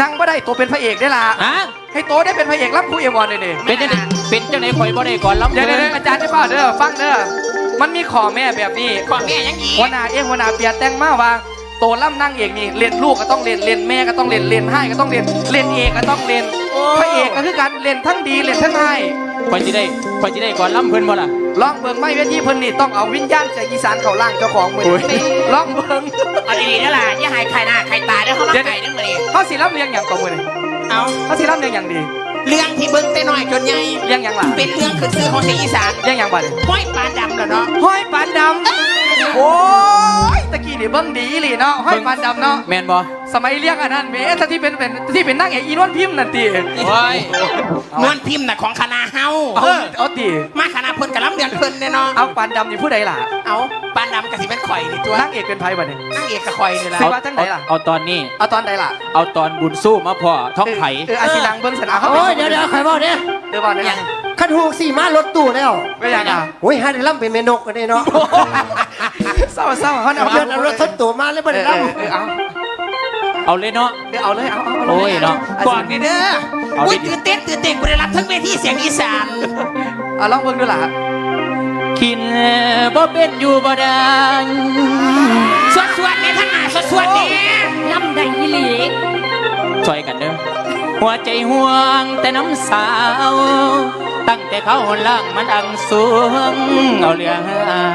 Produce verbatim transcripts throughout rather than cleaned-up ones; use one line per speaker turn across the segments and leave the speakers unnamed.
นั่งไม่ได้ตัวเป็นพระเอกได้ละ
ฮะ
ให้โตได้เป็นพระเอกรับผู้เอวอนเลยดิ
เป็นจังไดเป็นจังไดข่อยบ่ได้ก่อนล้ำ
เดี๋ยวเดี๋ยวอาจารย์ได้เปล่าเด้อฟังเด้อมันมีขอแม่แบบนี้
ขอแม่ยังอี
หัวหน้าเอ็งหัวหน้าเปียแต่งมาว่าโตล่ำนั่งเอกนี่เรียนลูกก็ต้องเรียนเรียนแม่ก็ต้องเรียนเรียนให้ก็ต้องเรียนเรียนเอกก็ต้องเรียนพระเอกก็คือการเรียนทั้งดีเรียนทั้งให้
ข่อยสิได้ข่อยสิได้ก่อนล้ำเพิ่นบ่ล่ะ
ลองเบิ่งไม่เวทีเพิ่นนี่ต้องเอาวิญญาณจากอีสานเข้าร่างเจ้าของมือลองเบิ่ง
เอาดีๆนั่นแหละอย่าหายใครหน้าใครตาเด้อเขามาไก่นั่นมาดิ
เขาสิรับเลี้ยงอย่างกับมือนี่
เอา
เขาสิรับเลี้ยงอย่างดี
เรื่องที่เบิ่งแต่น้อยจนใหญ่
เลี้ยงอย่างล่ะ
เป็นเรื่องขึ้นชื่อของเสียงอีสาน
เลี้ยงอย่างบัด
ห้อยปานดำแล้วเนาะ
ห้อยปานดำโอ้ยตะกี้นี่เบิ่งดีหลีเนาะห้อยปานดำเนาะ
แม่นบ่
สมัยเลี้ยงอันนั้นเบ้ถ้าที่เป็นเป็นที่เป็นนางเอกอีนวลพิมพ์นั่นติ
โอ้ย
นวลพิมพ์น่ะของคณะเฮา
เออเอาติ
มาคณะเพิ่นกับลำเดือนเพิ่นเนี่ยเนาะ
เอาปานดำนี่ผู้ใดล่ะ
เอาปานดำกับสิเป็นข่อยนี่ตัวน
างเอกเป็นไผบัดนี้
นางเอกกับข่อยนี่ล่ะ
สิว่าจังไดล่ะ
เอาตอนนี้
เอาตอนใดล่ะ
เอาตอนบุญสู้มาพ่อท้องไข่
เอออาศิลังเบิ่งสนามเขา
โอ้ยเดี๋ยวเดี๋ยวใครบอกเนี่ย
เดี๋ยวบอกเนี่ย
ขันหูสี่ม้ารถตู้แล้ว
ไม่อยากอ่ะ
โอ้ยฮะเดี๋ยวล่ำเป็นเมนกกันเลยเนาะ
เศร้าเศร้าเขา
เอาเดินเอารถทดตัวมาแล้วไม่ได้ล่ำ
เอา
เอาเลยเนาะ
เดี๋ยวเอาเลยเอาเอา
โอ้ยเนาะ
ก่อนนี่เด้ออุ้ยตื่นเต้นตื่นเต้นกูได้รับทั้งเวทีเสียงอีสาน
เอาลองเบิ่งดูล่ะ
กินบ่เป็นอยู่บ่ได้
สวดสวดในทั้งหน้าสวดสวดนี่
ลำได้อีหลี
ช่วยกันเด้อหัวใจห่วงแต่น้ำสาวตั้งแต่เขาหนล่างมันอังสูงเอาเรื่อง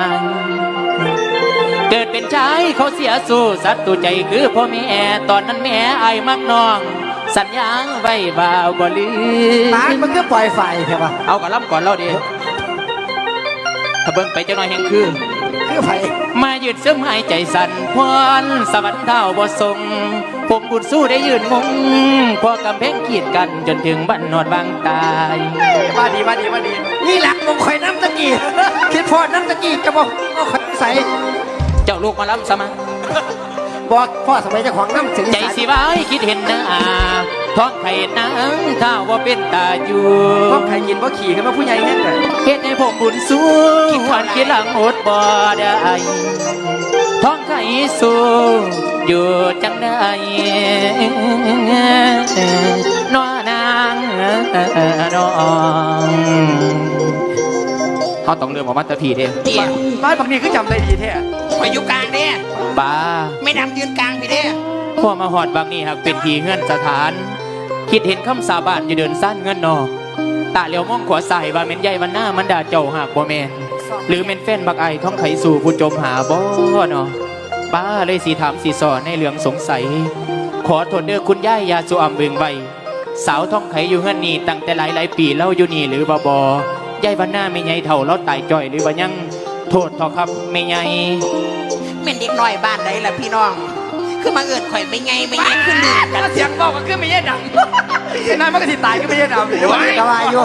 เกิดเป็นชายเขาเสียสู้สัตว์ตัวใจคือพ่อแม่ตอนนั้นแม่ไอ้มักน้องสัญญาไว้บ่าวบ่ลืม
ปากมันก็ปล่อยไฟใช่ปะ
เอากระล่ำก่อนเล่าดิถ้าเบิ่งไปจะน้อยแห่งคือ
คือไฟ
มายืดซึมหายใจสั่นพรสวรรค์เท่าบ่ทรงผมบุญสู้ได้ยืนงงพอกำแพงขีดกันจนถึงบ้านนอดบางตาย
มาดีมาดีมาดี
นี่หลักมงคอยน้ำตะกี้คิดพอน้ำตะกี้จะบอกก็คอยใส่
เจ้าลูกมาล้ำสมา
บอกพ่อสมัยเจ้าของน้ำถึง
ใจสิไว้คิดเห็นนะท้องไข่นางถ้าว่าเป็นตาอยู่
ท้องไข่ยินว่าขี่ขึ้นมาผู้ใหญ่เงี้ยเลย
เฮ็ดให้ผมบุญสู้หวานคิดหลังอดบ่ได้ท้องไข่สู้อยู่จังได้น้อนางน้องเขาต้องเลือกออกมาตะพีเด้
บ้านบางทีก็จำได้ดีแท้
ไปอยู่กลางเด้
ป้า
ไม่ดำยืนกลางพี่เด้
พ่อมาหอดบางนี่หากเป็นทีเงื่อนสถานคิดเห็นคำสาบานอยู่เดินสั้นเงินนอตาเลี้ยวมองขวาใส่ว่าเม็นใหญ่วันหน้ามันด่าเจ้าหากบ่แมนหรือเม็นแฟนบักไอท้องไขสู่ผู้จมหาบ่เนาะป้าเลยสีถามสีสอนในเรื่องสงสัยขอโทษเด้อคุณย่ายยาสุอัมเบิงใบสาวท้องไขอยู่เฮือนนี่ตั้งแต่หลายหลายปีเล่าอยู่นี่หรือบ่บ่ยายวันหน้าไม่ใหญ่เท่าเราตายจ่อยหรือว่ายังโทษทอครับไม่ใหญ่
เม่นเด็กน้อยบ้านไหนล่ะพี่น้องคือมาเอิดข่อยไม่ไงไม่ไงขึ้นลืม
กันเสียงบอกกันขึ้นไม่แย่ดังไอ้นายมันก็สิตายก็ไม่แย่ดัง
เดี๋ยวจะวายอยู่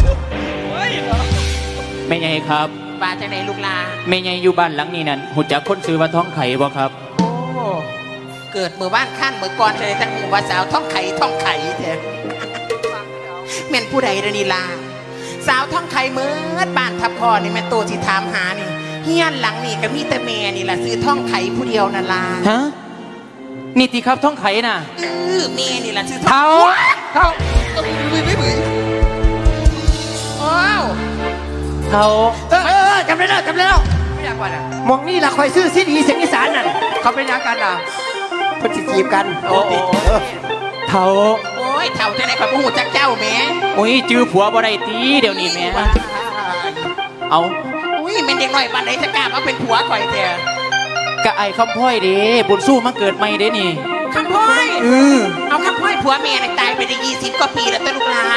ไม่ใหญ่ครับ
บ้านจังไหนลูกลา
ไม่ใหญ่อยู่บ้านหลังนี้นั่นหูจักคนซื้อว่าท้องไข่บ่ครับ
โอ้เกิดเมื่อบ้านขั้นเมื่อก่อนจะได้ทั้งหมู่ว่าสาวท้องไข่ท้องไข่แท้เม่นผู้ใดเดนีลาสาวท้องไข่เมื่อบ้านทับพ่อนี่แม่โตที่ถามหานี่เฮียนหลังนี่ก็มีแต่แม่นี่แหละซื้อท้องไข่ผู้เดียวนั่นล่ะ
ฮะนี่ตีครับท้องไข่น่ะ
เออแม่นี่แหละซื้อ
เท้าเท้า
บึ้ยบึ้ยบึ้ยโอ้
เท้า
เออจำได้แล้วจำได้แล้ว
ไม่อยากว่าอ่ะ
มองนี่ละคอยซื้อซีดีเสียงอีสานนั่น
เขาเป็นยังกันอ่ะ
เพิ่นจีบกัน
โอ้
เท้า
โอ้ยเท้าจะไหนข่อยบ่ฮู้จักเจ้าแม่
โอ้ยจื้อผัวบ่ได้ตีเดี๋ยวนี้แม่เอา
อุ้ยเป็นเด็กน้อยบ้านไหนจะกล้ามาเป็นผัวข่อยแท้
กะไอ้คำพ่อยเด้บุญสู้มาเกิดใหม่เด้นี่
คำพ่อย
เออ
เอาคำพ่อยผัวแม่ตายไปได้ยี่สิบกว่าปีแล้วตะลูกหลา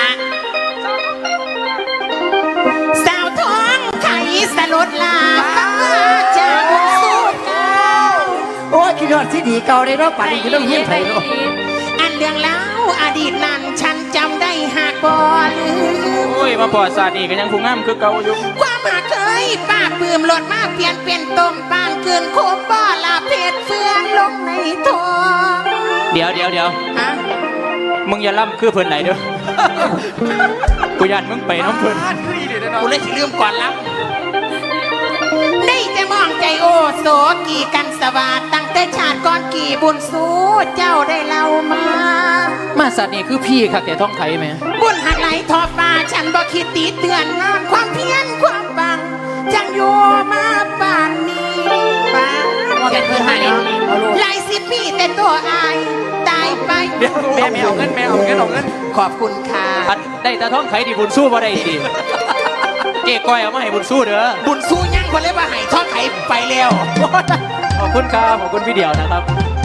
สาวท้องไข่สลดลาจากบุญสู้เก่า
โอ้ยคิดว่าซีดีเก่าได้เนาะป่านนี้คือต้องเฮียนไทยเนาะ
อันเรื่องเล่าอดีตนั้นฉันจำได้หากบ่ลืม
โอ้ยมาปอดศาสตร์นี่ก็ยังคงงามคือเก่าอยู่
ความหาเคยป้าปื้มหลดมาเปลี่ยนเป็นต้มปานเกินโคบบ่อลาเพชรเฟืองลงในท้อง
เดี๋ยวเดี๋ยวเดี๋ยว
ฮะ
มึงอย่าล่ำคือเพิ่นไหนเด้อกูยันมึงไปน้องเพิ่น
กูเลยสิลืมก่อนล่ำได้แต่มองใจโอโสกี่กันสวัสดตั้งแต่ชาติก่อนกี่บุญสู้เจ้าได้เล่ามา
มาสัตว์นี่คือพี่ค่ะแกท้องไข่ไหม
บุญหักไหลทอฟ้าฉันบ่คิดตีเตือนงานความเพียรความบังจังอยู่มาป่านนี้ป้าเขียนที่ให้หลายสิบปีแต่ตัวอายตายไป
เดี๋ยวแม่แม่เอาเงินแม่เอาเงินเอาเงิน
ขอบคุณค่ะ
อันได้แต่ท้องไข่ดิบุญสู้บ่ได้สิเก๊ก้อยเอามาให้บุญสู้เด้อ
บุญสู้ยังคนเลยว่าให้ทอดไข่ไปแล้ว
ขอบคุณครับขอบคุณพี่เดียวนะครับ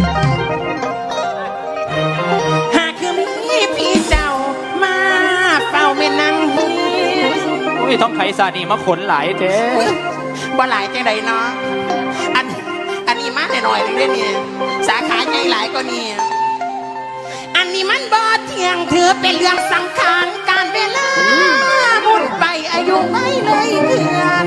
หากคือมีพี่เจ้ามาเฝ้าแม่นางเฮีย
อุ้ยท้องไข่ซานี่มาขนหลายแท้
อุ๊ยบ่หลายจังใดเนาะอันอันนี้มาหน่อยๆนึงเด้อเนี่ยสาขาใหญ่หลายกว่านี้อันนี้มันบ่เที่ยงถือเป็นเรื่องสำคัญการเวลาหมุนไปอายุไม่เลยเดือน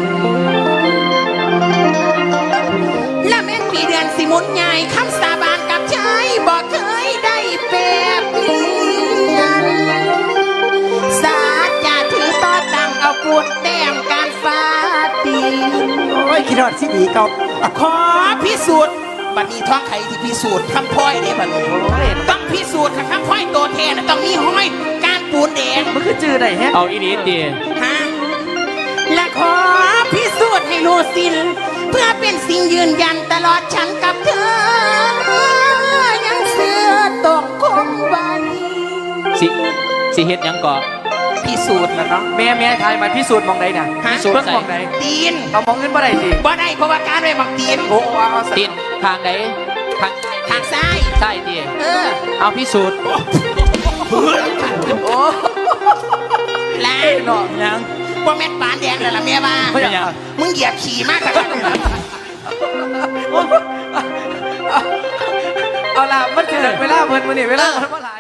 และแม่นปีเดือนสิหมุนใหญ่คำสาบานกับชายบ่เคยได้แปรเปลี่ยนสาจะถือต่อตั้งเอาปูนแต้มการฟ้าตีน
โอ้ยคิดฮอดสิดีเก่า
ขอพิสูจน์บัดนี้ท้องไข่ที่พิสูจน์คำพ้อยเด้บัดนี้ต้องพิสูจน์ค่ะคำพ้อยตัวแทนน่ะต้องมีห้อยการปูนแดง
มันคือจื้อได้แฮะ
เอาอีนี้ดี
ฮะและขอพิสูจน์ให้รู้สิ้นเพื่อเป็นสิ่งยืนยันตลอดฉันกับเธอ ยังเสือตกคงไว้
สิสิเฮ็ดหยังก่อ
พิสูจน์แล้วเนาะ
แม่แม่ทายมาพิสูจน์มองใดน่ะ
ฮะ
พิสูจน์เพิ่งมองใด
ตีน
เอามองเงินบ่ได้สิ
บ่ได้เพราะว่าการไว้บักตีน
โอ้เอาเอา
ตินทางใดทาง
ทางซ้าย
ใต้ดี
เออ
เอาพิสูจน์
โอ้
ลา
เนาะ
ยัง
ว่าแม่นปานแดงแล้วล่ะแม่ว่า
ไม่อยาก
มึงเหยียบขี่มากขนาดนี้นะ
เอาล่ะมันเกิดเวลาเพิ่นมื้อนี้เวลาเพิ่นบ่หลาย